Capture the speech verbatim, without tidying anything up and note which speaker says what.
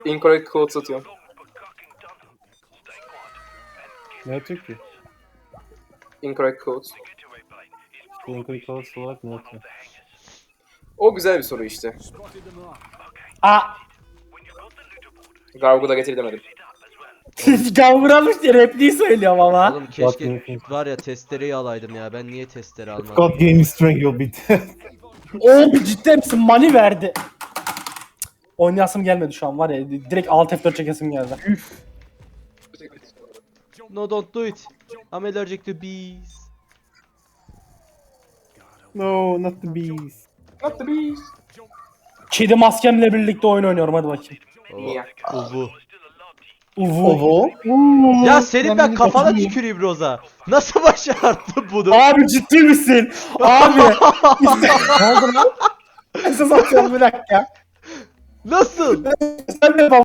Speaker 1: Incorrect code satıyorum.
Speaker 2: Ne atıyor ki?
Speaker 1: Incorrect code.
Speaker 2: Incorrect codes olarak ne atıyor?
Speaker 1: O güzel bir soru işte.
Speaker 3: Aa!
Speaker 1: Gargoyle'a getirdemedim.
Speaker 3: Kavramış diye repliği söylüyorum ama.
Speaker 4: Oğlum
Speaker 2: What
Speaker 4: keşke
Speaker 2: do you
Speaker 4: var ya testereyi alaydım ya. Ben niye testere almadım?
Speaker 2: God gave me strength you'll be dead.
Speaker 3: Oğlum cidden misin? Money verdi. Oynayasım gelmedi şu an var ya. Direkt alt F dört çekesim geldi. Üf.
Speaker 4: No, don't do it. I'm allergic to bees.
Speaker 2: No, not the bees.
Speaker 1: Not the beast.
Speaker 3: Kedi maskemle birlikte oyun oynuyorum hadi bakayım.
Speaker 1: Niye?
Speaker 4: Uvu.
Speaker 3: Uvu.
Speaker 2: Ovo.
Speaker 4: Ya senin ben kafana tüküreyim Roza. Nasıl başardın bunu?
Speaker 3: Abi ciddi misin? Abi. Ne oldu lan? Esas atıyorum bir dakika.
Speaker 4: Nasıl?
Speaker 3: Sen de